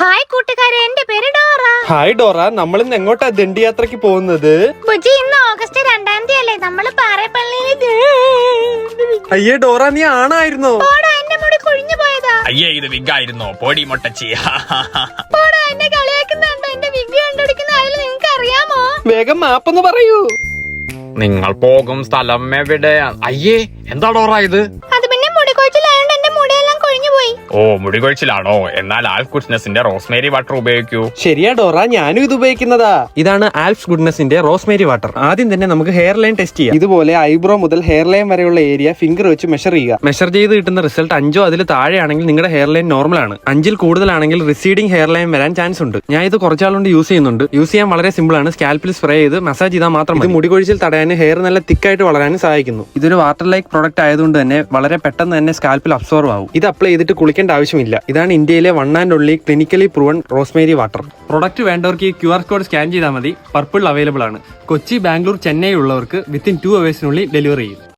Hi കൂട്ടുകാരെ, എന്റെ പേര് ഡോറ. ഹായ് ഡോറ, നമ്മൾ ഇന്ന് എങ്ങോട്ടാ ദണ്ഡി യാത്രക്ക് പോകുന്നത്? ബുജി, ഇന്ന് ഓഗസ്റ്റ് 2-ാം തീയതി അല്ലേ? നമ്മള് പാറപ്പള്ളിയിൽ. അയ്യേ ഡോറ, നീ ആണായിരുന്നോ? എന്റെ മുടി കുഴിഞ്ഞു പോയതാ. അയ്യേ, ഇത് വിഗായിരുന്നോ? പോടി മൊട്ടച്ചി. എന്നെ കളിയാക്കുന്നുണ്ടോ? എന്റെ വിഗ് കണ്ടുപിടിക്കുന്ന ആരും നിങ്ങക്ക് അറിയാമോ? വേഗം മാപ്പൊന്ന് പറയൂ. നിങ്ങൾ പോകും സ്ഥലം എവിടെ? അയ്യേ, എന്താ ഡോറ ഇത്? അത് പിന്നെ മുടി കൊഴിച്ചിലായോണ്ട് എന്റെ മുടിയെല്ലാം കൊഴിഞ്ഞു പോയി. ഓ, മുടി കൊഴിച്ചിലാണോ? എന്നാൽ ആൽഫ് ഗുഡ്നെസിന്റെ റോസ്മേരി വാട്ടർ ഉപയോഗിക്കൂ. ശരിയാ ഡോറ, ഞാനും ഇത് ഉപയോഗിക്കുന്നതാ. ഇതാണ് ആൽഫ് ഗുഡ്നെസിന്റെ റോസ്മേരി വാട്ടർ. ആദ്യം തന്നെ നമുക്ക് ഹെയർ ലൈൻ ടെസ്റ്റ് ചെയ്യാം. ഇതുപോലെ ഐബ്രോ മുതൽ ഹെയർ ലൈൻ വരെയുള്ള ഏരിയ ഫിംഗർ വെച്ച് മെഷർ ചെയ്യുക. മെഷർ ചെയ്ത് കിട്ടുന്ന റിസൾട്ട് 5 അതിൽ താഴെയാണെങ്കിൽ നിങ്ങളുടെ ഹെയർ ലൈൻ നോർമൽ ആണ്. 5-ൽ കൂടുതലാണെങ്കിൽ റിസീഡിംഗ് ഹെയർ ലൈൻ വരാൻ ചാൻസ് ഉണ്ട്. ഞാൻ ഇത് കുറച്ചാളുകൊണ്ട് യൂസ് ചെയ്യുന്നുണ്ട്. യൂസ് ചെയ്യാൻ വളരെ സിമ്പിൾ ആണ്. സ്കാൽപ്പിൽ സ്പ്രേ ചെയ്ത് മസാജ് ചെയ്താൽ മാത്രം ഇത് മുടി കൊഴിച്ചിൽ തടയാനും ഹെയർ നല്ല തിക്കായിട്ട് വളരാനും സഹായിക്കുന്നു. ഇതൊരു വാട്ടർ ലൈക്ക് പ്രോഡക്റ്റ് ആയതുകൊണ്ട് തന്നെ വളരെ പെട്ടെന്ന് തന്നെ സ്കാൽപ്പിൽ അബ്സോർവ് ആവും. ഇത് അപ്ലൈ ചെയ്തിട്ട് കുളിക്കേണ്ട ആവശ്യമില്ല. ഇതാണ് ഇന്ത്യയിലെ 1 and only clinically proven rosemary water. Product വേണ്ടവർക്ക് ഈ QR കോഡ് സ്കാൻ ചെയ്താൽ മതി. പർപ്പിൾ അവൈലബിൾ ആണ്. കൊച്ചി, ബാംഗ്ലൂർ, ചെന്നൈ ഉള്ളവർക്ക് വിത്തിൻ 2 hours ഡെലിവറി ചെയ്യും.